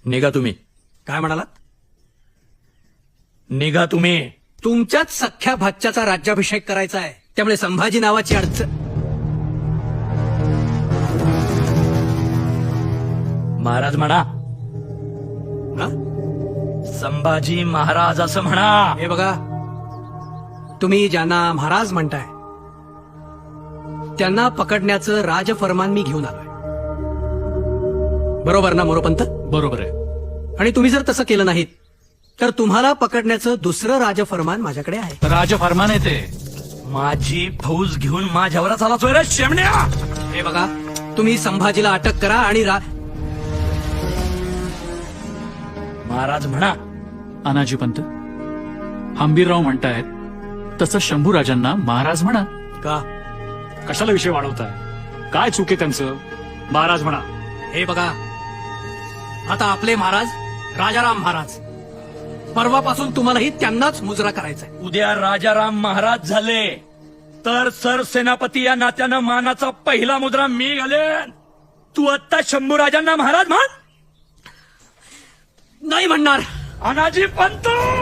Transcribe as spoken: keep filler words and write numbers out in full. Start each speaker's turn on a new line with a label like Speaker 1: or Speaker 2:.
Speaker 1: निघा तुम्ही.
Speaker 2: काय म्हणालात?
Speaker 1: निघा तुम्ही.
Speaker 2: तुमच्याच सख्या भाच्याचा राज्याभिषेक करायचा आहे, त्यामुळे संभाजी नावाची अडचण.
Speaker 1: महाराज म्हणा.
Speaker 2: हा?
Speaker 1: संभाजी महाराज असं म्हणा.
Speaker 2: हे बघा, तुम्ही ज्यांना महाराज म्हणताय त्यांना पकडण्याचं राजफरमान मी घेऊन आलोय. बरोबर ना मोरोपंत?
Speaker 3: बरोबर आहे.
Speaker 2: आणि तुम्ही जर तसं केलं नाहीत तर तुम्हाला पकडण्याचं दुसरं राजफरमान माझ्याकडे आहे.
Speaker 3: राजफरमान आहे ते.
Speaker 1: माझी फौज घेऊन माझ्यावरच आला चोर शेमण्या.
Speaker 2: हे बघा, तुम्ही संभाजीला अटक करा आणि रा...
Speaker 1: महाराज म्हणा.
Speaker 3: अनाजी पंत, हंबीरराव म्हणतायत तसं शंभूराजांना महाराज म्हणा.
Speaker 2: का?
Speaker 4: कशाला विषय वाढवताय? काय चूक आहे त्यांचं? महाराज म्हणा.
Speaker 2: हे बघा, आता आपले महाराज राजाराम महाराज, परवापासून तुम्हालाही त्यांनाच मुजरा करायचा आहे.
Speaker 1: उद्या राजाराम महाराज झाले तर सरसेनापती या नात्यानं मानाचा पहिला मुद्रा मी घालेन. तू आत्ता शंभूराजांना महाराज म्हण.
Speaker 2: नाही म्हणणार.
Speaker 1: अनाजी पंत.